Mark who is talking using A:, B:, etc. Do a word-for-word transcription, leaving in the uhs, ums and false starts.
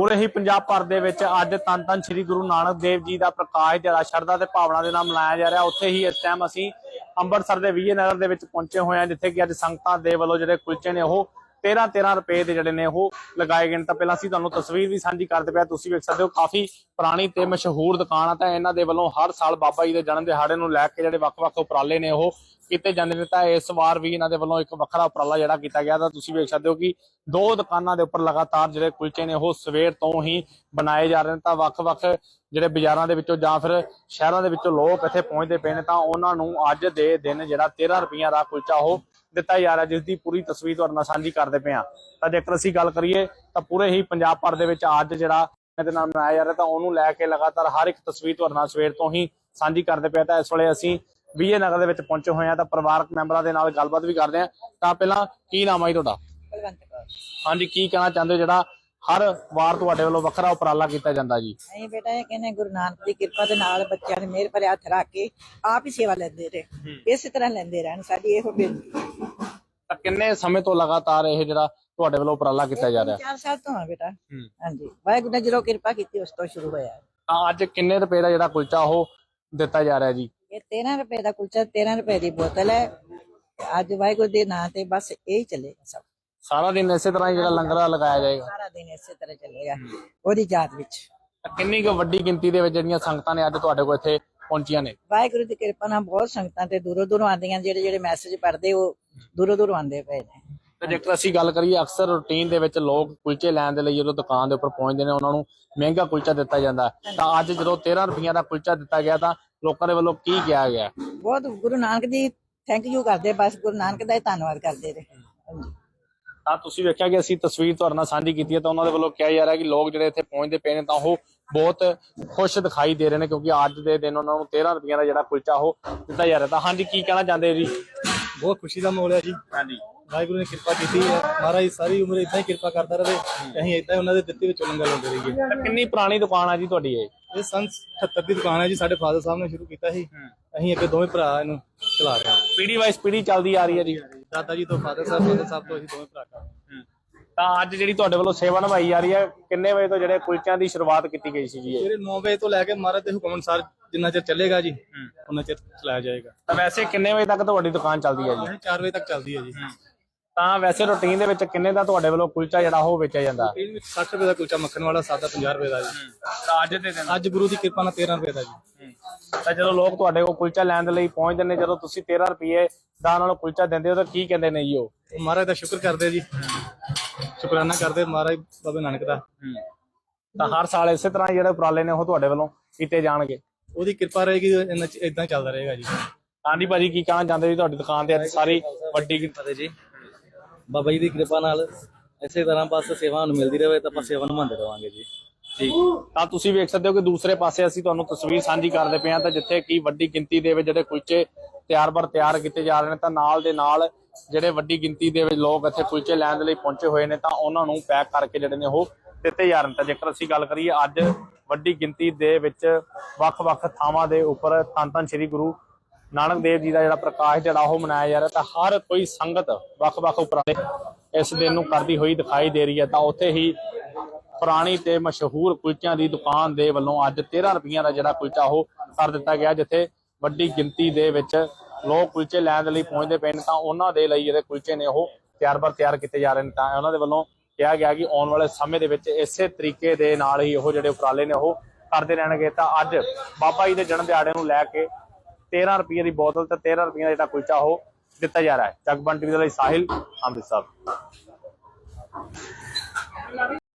A: पूरे ही पंजाब भर दे विच अज धन धन श्री गुरु नानक देव जी का प्रकाश जरा शरधा ते भावना दे नाल मनाया जा रहा। उत्थे ही इस टाइम असीं अंमृतसर के विजय नगर दे विच पहुंचे हुए हैं, जिथे कि अज संगतां दे वल्लों जिहड़े कुलचे ने वो तेरह तेरह रुपए के जिहड़े ने वो लगाए गए। तो पहला असीं तुहानूं तस्वीर भी साझी करदे पिया, तुसीं वेख सकदे हो काफ़ी पुरानी ते मशहूर दुकान है। तो इन्हां दे वल्लों हर साल बाबा जी के जन्म दिहाड़े नूं लैके जिहड़े वख-वख उपराले ने वो कीते जांदे ने। तां इस वार भी इन्हां दे वल्लों एक वखरा उपराला जिहड़ा कीता गया। तां तुसीं वेख सकदे हो कि दो दुकानां दे उपर लगातार जिहड़े कुलचे ने वो सवेर तो ही बनाए जा रहे हैं। तां वख-वख जिहड़े बाजारां दे विचों जां फिर शहरां दे विचों लोक इत्थे पहुंचदे पे ने, तां उन्हां नूं अज दे दिन जिहड़ा तेरह रुपइयां दा कुलचा वो दिता जा रहा, जिसकी पूरी तस्वीर तुहाडे नाल साझी करदे पे हां। तां जेकर असीं गल करिए तां पूरे ही पंजाब भर दे विच अज जिहड़ा इहदे नाल मनाया जा रहा, तां उहनूं लैके लगातार हर एक तस्वीर तुहाडे नाल सवेर तो ही साझी करदे पे। तां इस वेले असीं विजय नगर दे विच पहुंचे हुए हैं, तां परिवारक मैंबरां दे नाल गलबात भी करदे हां। तां पहिलां की नाम है तुहाडा? हाँ जी, की कहना चाहते हो जिहड़ा हर वार तुहाडे वल्लों वखरा उपराला कीता जांदा जी?
B: नहीं बेटा, ये कहने गुरु नानक दी किरपा दे नाल बच्चों ने मेहर भरे हथ रख के आप ही सेवा लेंदे रहे, इस तरह लेंदे रहन, साडी इहो बेनती।
A: तां किन्ने समय तो लगातार ये जिहड़ा तुहाडे वल्लों उपराला कीता जा रहा?
B: चार साल तो है बेटा। हां जी, वाहिगुरू ने जदों किरपा कीती उस तो शुरू होया।
A: तां अज किन्ने रुपए दा जिहड़ा कुलचा वो दिता जा रहा है जी?
B: ये तेरह रुपए दा कुलचा, तेरह रुपए दी बोतल है। अज वाहिगुरू दे नाम ते बस यही चलेगा सब।
A: सारा दिन इस तरह ही जिहड़ा लंगर लगाया जाएगा?
B: सारा दिन इस तरह चलेगा ओदी याद विच।
A: किन्नी कुछ वड्डी गिनती दे विच जिहड़ियां संगतां ने अज तुहाडे कोल इत्थे पहुंचियां ने?
B: वाहिगुरू दी किरपा नाल बहुत संगतां ते दूरों दूरों आंदियां, जेहड़े जेहड़े मैसेज पढ़दे वो दूरों दूरों आंदे पे ने।
A: ਤੇ ਜੇਕਰ ਅਸੀਂ ਗੱਲ ਕਰੀਏ ਅਕਸਰ ਰੂਟੀਨ ਦੇ ਵਿੱਚ ਲੋਕ ਕੁਲਚੇ ਲੈਣ ਦੇ ਲਈ ਜਦੋਂ ਦੁਕਾਨ ਦੇ ਉੱਪਰ ਪਹੁੰਚਦੇ ਨੇ ਉਹਨਾਂ ਨੂੰ ਮਹਿੰਗਾ ਕੁਲਚਾ ਦਿੱਤਾ ਜਾਂਦਾ, ਤਾਂ ਅੱਜ ਜਦੋਂ तेरह ਰੁਪਈਆ ਦਾ ਕੁਲਚਾ ਦਿੱਤਾ ਗਿਆ ਤਾਂ ਲੋਕਾਂ ਦੇ ਵੱਲੋਂ ਕੀ ਕਿਹਾ ਗਿਆ?
B: ਬਹੁਤ ਗੁਰੂ ਨਾਨਕ ਦੀ ਥੈਂਕ ਯੂ ਕਰਦੇ, ਬਸ ਗੁਰੂ ਨਾਨਕ ਦਾ ਹੀ ਧੰਨਵਾਦ ਕਰਦੇ ਨੇ। ਹਾਂਜੀ,
A: ਤਾਂ ਤੁਸੀਂ ਵੇਖਿਆ ਕਿ ਅਸੀਂ ਤਸਵੀਰ ਤੁਹਾਡੇ ਨਾਲ ਸਾਂਝੀ ਕੀਤੀ ਹੈ, ਤਾਂ ਉਹਨਾਂ ਦੇ ਵੱਲੋਂ ਕਿਹਾ ਜਾ ਰਿਹਾ ਕਿ ਲੋਕ ਜਿਹੜੇ ਇੱਥੇ ਪਹੁੰਚਦੇ ਪਏ ਨੇ ਤਾਂ ਉਹ ਬਹੁਤ ਖੁਸ਼ ਦਿਖਾਈ ਦੇ ਰਹੇ ਨੇ, ਕਿਉਂਕਿ ਅੱਜ ਦੇ ਦਿਨ ਉਹਨਾਂ ਨੂੰ तेरह ਰੁਪਈਆ ਦਾ ਜਿਹੜਾ ਕੁਲਚਾ ਉਹ ਦਿੱਤਾ ਜਾ ਰਿਹਾ। ਤਾਂ ਹਾਂਜੀ, ਕੀ ਕਹਿਣਾ ਚਾਹੁੰਦੇ ਜੀ?
C: बहुत खुशी का माहौल है जी।
A: ਹਾਂਜੀ,
C: वाहिगुरू ने कृपा की है, महाराज सारी उम्र इदा ही कृपा करता रहे, ਅਸੀਂ ਇਦਾਂ ਹੀ ਉਹਨਾਂ ਦੇ ਦਿੱਤੇ ਵਿੱਚੋਂ ਲੰਗਰ ਲਾਉਂਦੇ ਰਹੀਏ।
A: ਤਾਂ ਕਿੰਨੀ ਪੁਰਾਣੀ ਦੁਕਾਨ ਆ ਜੀ ਤੁਹਾਡੀ ਇਹ?
C: ਇਹ ਸੰਨ ਅਠੱਤਰ ਦੀ ਦੁਕਾਨ ਹੈ ਜੀ, ਸਾਡੇ ਫਾਦਰ ਸਾਹਿਬ ਨੇ ਸ਼ੁਰੂ ਕੀਤਾ ਸੀ, ਅਸੀਂ ਅੱਗੇ ਦੋਵੇਂ ਭਰਾ ਇਹਨੂੰ ਚਲਾ ਰਹੇ ਹਾਂ।
A: ਪੀੜੀ ਵਾਈਜ਼ ਪੀੜੀ ਚੱਲਦੀ ਆ ਰਹੀ ਹੈ ਜੀ?
C: ਦਾਦਾ ਜੀ ਤੋਂ ਫਾਦਰ ਸਾਹਿਬ, ਫਾਦਰ ਸਾਹਿਬ ਤੋਂ ਅਸੀਂ ਦੋਵੇਂ ਭਰਾ ਕਰ।
A: ਤਾਂ ਅੱਜ ਜਿਹੜੀ ਤੁਹਾਡੇ ਵੱਲੋਂ ਸੇਵਾ ਨਿਭਾਈ ਜਾ ਰਹੀ ਹੈ, ਕਿੰਨੇ ਵਜੇ ਤੋਂ ਜਿਹੜੇ ਕੁਲਚਿਆਂ ਦੀ ਸ਼ੁਰੂਆਤ ਕੀਤੀ ਗਈ ਸੀ ਜੀ? ਇਹ
C: ਸਵੇਰੇ ਨੌ ਵਜੇ ਤੋਂ ਲੈ ਕੇ ਮਹਾਰਾਜ ਦੇ ਹੁਕਮ ਅਨੁਸਾਰ ਜਿੰਨਾ ਚਿਰ ਚੱਲੇਗਾ ਜੀ ਉਹਨਾਂ ਚਿਰ ਚਲਾਇਆ ਜਾਏਗਾ।
A: ਤਾਂ ਵੈਸੇ ਕਿੰਨੇ ਵਜੇ ਤੱਕ ਤੁਹਾਡੀ ਦੁਕਾਨ ਚੱਲਦੀ ਹੈ ਜੀ?
C: ਚਾਰ ਵਜੇ ਤੱਕ ਚੱਲਦੀ ਹੈ ਜੀ।
A: ਤਾਂ ਵੈਸੇ ਰੂਟੀਨ ਦੇ ਵਿੱਚ ਕਿੰਨੇ ਦਾ ਤੁਹਾਡੇ ਵੱਲੋਂ ਕੁਲਚਾ ਜਿਹੜਾ ਉਹ ਵੇਚਿਆ ਜਾਂਦਾ?
C: ਇਹਦੇ ਵਿੱਚ ਸੱਠ ਰੁਪਏ ਦਾ ਕੁਲਚਾ ਮੱਖਣ ਵਾਲਾ, ਸਾਦਾ ਪੰਜਾਹ ਰੁਪਏ ਦਾ ਜੀ।
A: ਤਾਂ ਅੱਜ ਦੇ ਦਿਨ
C: ਅੱਜ ਗੁਰੂ ਦੀ ਕਿਰਪਾ ਨਾਲ तेरह ਰੁਪਏ ਦਾ ਜੀ।
A: ਤਾਂ ਜਦੋਂ ਲੋਕ ਤੁਹਾਡੇ ਕੋਲ ਕੁਲਚਾ ਲੈਣ ਦੇ ਲਈ ਪਹੁੰਚਦੇ ਨੇ, ਜਦੋਂ ਤੁਸੀਂ तेरह ਰੁਪਏ ਦਾ ਉਹਨਾਂ ਨੂੰ ਕੁਲਚਾ ਦਿੰਦੇ ਹੋ ਤਾਂ ਕੀ ਕਹਿੰਦੇ ਨੇ ਜੀ ਉਹ?
C: ਮਹਾਰਾਜ ਦਾ ਸ਼ੁਕਰ ਕਰਦੇ ਜੀ, ਸ਼ੁਕਰਾਨਾ ਕਰਦੇ ਮਹਾਰਾਜ ਬਾਬੇ ਨਾਨਕ ਦਾ।
A: ਤਾਂ ਹਰ ਸਾਲ ਇਸੇ ਤਰ੍ਹਾਂ ਜਿਹੜੇ ਉਪਰਾਲੇ ਨੇ ਉਹ ਤੁਹਾਡੇ ਵੱਲੋਂ ਕੀਤੇ ਜਾਣਗੇ?
C: ਉਹਦੀ ਕਿਰਪਾ ਰਹੇਗੀ, ਇਦਾਂ ਚੱਲਦਾ ਰਹੇਗਾ ਜੀ।
A: ਹਾਂਜੀ ਭਾਜੀ, ਕੀ ਕਹਿਣਾ ਚਾਹੁੰਦੇ ਜੀ? ਤੁਹਾਡੀ ਦੁਕਾਨ ਤੇ ਅੱਜ ਸਾਰੀ ਵੱਡੀ
D: ਫਤਿਹ ਜੀ। ਬਾਬਾ ਜੀ ਦੀ ਕਿਰਪਾ ਨਾਲ ਇਸੇ ਤਰ੍ਹਾਂ ਬਸ ਸੇਵਾ ਨੂੰ ਮਿਲਦੀ ਰਹੇ ਤਾਂ ਆਪਾਂ ਸੇਵਾ ਨਿਭਾਉਂਦੇ ਰਵਾਂਗੇ ਜੀ।
A: ਠੀਕ, ਤਾਂ ਤੁਸੀਂ ਵੇਖ ਸਕਦੇ ਹੋ ਕਿ ਦੂਸਰੇ ਪਾਸੇ ਅਸੀਂ ਤੁਹਾਨੂੰ ਤਸਵੀਰ ਸਾਂਝੀ ਕਰਦੇ ਪਏ ਹਾਂ, ਤਾਂ ਜਿੱਥੇ ਕੀ ਵੱਡੀ ਗਿਣਤੀ ਦੇ ਵਿੱਚ ਜਿਹੜੇ ਕੁਲਚੇ ਤਿਆਰ ਬਰ ਤਿਆਰ ਕੀਤੇ ਜਾ ਰਹੇ ਨੇ, ਤਾਂ ਨਾਲ ਦੇ ਨਾਲ ਜਿਹੜੇ ਵੱਡੀ ਗਿਣਤੀ ਦੇ ਵਿੱਚ ਲੋਕ ਇੱਥੇ ਕੁਲਚੇ ਲੈਣ ਦੇ ਲਈ ਪਹੁੰਚੇ ਹੋਏ ਨੇ, ਤਾਂ ਉਹਨਾਂ ਨੂੰ ਪੈਕ ਕਰਕੇ ਜਿਹੜੇ ਨੇ ਉਹ ਦਿੱਤੇ ਜਾ ਰਹੇ ਨੇ। ਤਾਂ ਜੇਕਰ ਅਸੀਂ ਗੱਲ ਕਰੀਏ ਅੱਜ ਵੱਡੀ ਗਿਣਤੀ ਦੇ ਵਿੱਚ ਵੱਖ-ਵੱਖ ਥਾਵਾਂ ਦੇ ਉੱਪਰ ਧੰਨ ਧੰਨ ਸ਼੍ਰੀ ਗੁਰੂ ਨਾਨਕ ਦੇਵ ਜੀ ਦਾ ਜਿਹੜਾ ਪ੍ਰਕਾਸ਼ ਜਿਹੜਾ ਉਹ ਮਨਾਇਆ ਜਾ ਰਿਹਾ, ਤਾਂ ਹਰ ਕੋਈ ਸੰਗਤ ਵੱਖ-ਵੱਖ ਉਪਰਾਲੇ ਇਸ ਦਿਨ ਨੂੰ ਕਰਦੀ ਹੋਈ ਦਿਖਾਈ ਦੇ ਰਹੀ ਹੈ। ਤਾਂ ਉੱਥੇ ਹੀ ਪੁਰਾਣੀ ਤੇ ਮਸ਼ਹੂਰ ਕੁਲਚਿਆਂ ਦੀ ਦੁਕਾਨ ਦੇ ਵੱਲੋਂ ਅੱਜ तेरह ਰੁਪਈਆ ਦਾ ਜਿਹੜਾ ਕੁਲਚਾ ਉਹ ਕਰ ਦਿੱਤਾ ਗਿਆ, ਜਿੱਥੇ ਵੱਡੀ ਗਿਣਤੀ ਦੇ ਵਿੱਚ ਲੋਕ ਕੁਲਚੇ ਲੈਣ ਦੇ ਲਈ ਪਹੁੰਚਦੇ ਪਏ ਨੇ, ਤਾਂ ਉਹਨਾਂ ਦੇ ਲਈ ਜਿਹੜੇ ਕੁਲਚੇ ਨੇ ਉਹ ਤਿਆਰ ਬਰ ਤਿਆਰ ਕੀਤੇ ਜਾ ਰਹੇ ਨੇ। ਤਾਂ ਉਹਨਾਂ ਦੇ ਵੱਲੋਂ ਕਿਹਾ ਗਿਆ ਕਿ ਆਉਣ ਵਾਲੇ ਸਮੇਂ ਦੇ ਵਿੱਚ ਇਸੇ ਤਰੀਕੇ ਦੇ ਨਾਲ ਹੀ ਉਹ ਜਿਹੜੇ ਉਪਰਾਲੇ ਨੇ ਉਹ ਕਰਦੇ ਰਹਿਣਗੇ। ਤਾਂ ਅੱਜ ਬਾਬਾ ਜੀ ਦੇ ਜਨਮ ਦਿਹਾੜੇ ਨੂੰ ਲੈ ਕੇ तेरह ਰੁਪਈਏ ਦੀ ਬੋਤਲ ਤੇ तेरह ਰੁਪਈਆ ਦਾ ਜਿਹੜਾ ਕੁਲਚਾ ਉਹ ਦਿੱਤਾ ਜਾ ਰਿਹਾ ਹੈ। ਜਗਬਾਣੀ ਟੀਵੀ ਦੇ ਲਈ ਸਾਹਿਲ ਅੰਮ੍ਰਿਤਸਰ।